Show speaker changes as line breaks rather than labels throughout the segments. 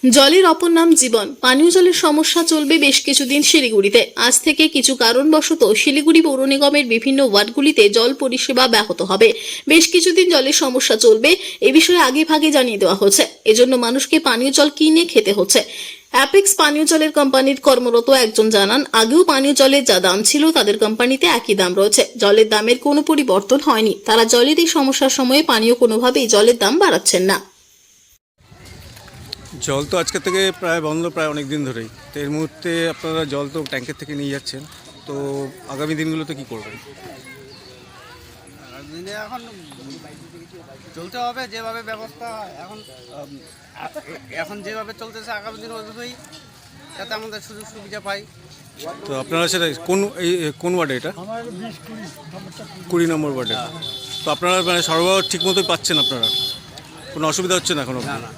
জলের অপর নাম জীবন। পানীয় জলের সমস্যা চলবে বেশ কিছুদিন শিলিগুড়িতে। আজ থেকে কিছু কারণবশত শিলিগুড়ি পৌর নিগমের বিভিন্ন ওয়ার্ডগুলিতে জল পরিষেবা ব্যাহত হবে। বেশ কিছুদিন জলের সমস্যা চলবে, এ বিষয়ে আগে ভাগে জানিয়ে দেওয়া হচ্ছে। এজন্য মানুষকে পানীয় জল কিনে খেতে হচ্ছে। অ্যাপেক্স পানীয় জলের কোম্পানির কর্মরত একজন জানান, আগেও পানীয় জলের যা দাম ছিল তাদের কোম্পানিতে একই দাম রয়েছে। জলের দামের কোনো পরিবর্তন হয়নি। তারা জলের এই সমস্যার সময়ে পানীয় কোনোভাবেই জলের দাম বাড়াচ্ছেন না।
জল তো আজকে থেকে প্রায় বন্ধ, প্রায় অনেক দিন ধরেই। তো এর মুহূর্তে আপনারা জল তো ট্যাঙ্কের থেকে নিয়ে যাচ্ছেন, তো আগামী দিনগুলোতে কি করবেন?
দিনে এখন চলতে হবে যেভাবে ব্যবস্থা এখন এখন যেভাবে চলতেছে, আগামী দিন ওইভাবেই যাতে আমাদের সুযোগ সুবিধা পাই।
তো আপনারা সেটা কোন ওয়ার্ডে? এটা 20 নম্বর ওয়ার্ডে। তো আপনারা মানে সরবরাহ ঠিক মতোই পাচ্ছেন? আপনারা কোনো অসুবিধা হচ্ছে না এখনো?
না না,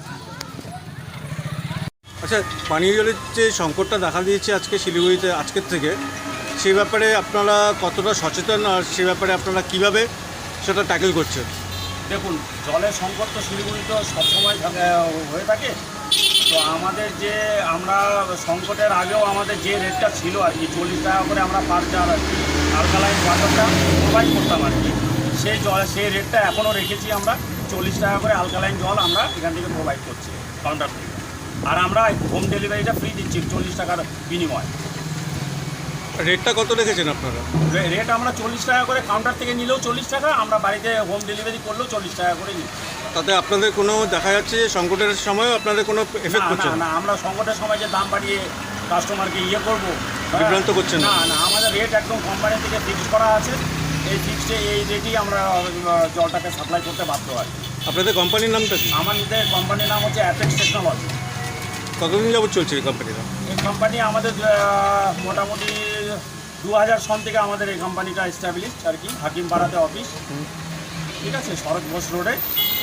আচ্ছা, পানীয় জলের যে সংকটটা দেখা দিয়েছে আজকে শিলিগুড়িতে আজকের থেকে, সেই ব্যাপারে আপনারা কতটা সচেতন, আর সেই ব্যাপারে আপনারা কিভাবে সেটা ট্যাকেল করছেন?
দেখুন, জলের সংকট তো শিলিগুড়িতে সবসময় হয়ে থাকে। তো আমাদের যে আমরা সংকটের আগেও আমাদের যে রেটটা ছিল আর কি, 40 টাকা করে আমরা পার জার আর কি আলকালাইন ওয়াটারটা প্রোভাইড করতাম আর কি, সেই রেটটা এখনও রেখেছি আমরা। 40 টাকা করে আলকালাইন জল আমরা এখান থেকে প্রোভাইড করছি কাউন্টার থেকে। আর আমরা হোম ডেলিভারিটা ফ্রি দিচ্ছি 40 টাকার বিনিময়।
রেটটা কত রেখেছেন আপনারা?
রেট আমরা 40 টাকা করে, কাউন্টার থেকে নিলেও 40 টাকা, আমরা বাড়িতে হোম ডেলিভারি করলেও 40 টাকা করে নিই।
তাতে আপনাদের কোনো দেখা যাচ্ছে যে সংকটের সময় আপনাদের কোনো এফেক্ট করছে
না, আমরা সংকটের সময় যে দাম বাড়িয়ে কাস্টমারকে করবো,
বিভ্রান্ত করছেন
না না, আমাদের রেট একদম কোম্পানি থেকে ফিক্সড করা আছে। এই ফিক্সডে এই রেটেই আমরা জলটাকে সাপ্লাই করতে বাধ্য হয়।
আপনাদের কোম্পানির নামটা কি?
আমাদের কোম্পানির নাম হচ্ছে অ্যাপেক্স টেকনোলজি।
কতদিন যাবত চলছে এই কোম্পানিটা?
এই কোম্পানি আমাদের মোটামুটি 2000 সন থেকে আমাদের এই কোম্পানিটা এস্টাবলিশড আর কি, হাকিমপাড়াতে অফিস। ঠিক আছে, শরৎ ঘোষ রোডে,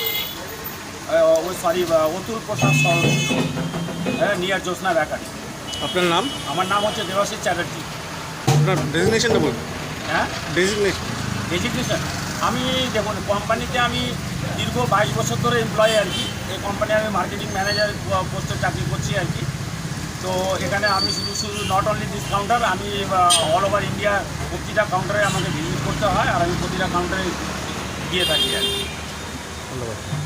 অতুল প্রসাদ সরণ, নিয়ার জ্যোৎস্না বেকারি।
আপনার নাম?
আমার নাম হচ্ছে দেবাশিস চ্যাটার্জি।
আপনার ডেজিগনেশনটা বলুন।
হ্যাঁ,
ডেজিগনেশন।
আমি দেখুন, কোম্পানিতে আমি দীর্ঘ 22 বছর ধরে এমপ্লয়ি আর কি। এই কোম্পানি আমি মার্কেটিং ম্যানেজার পোস্টে চাকরি করছি আর কি। তো এখানে আমি শুধু নট অনলি দিস কাউন্টার, আমি অল ওভার ইন্ডিয়া প্রতিটা কাউন্টারে আমাকে ভিজিট করতে হয়, আর আমি প্রতিটা কাউন্টারে গিয়ে থাকি আর কি।
ধন্যবাদ।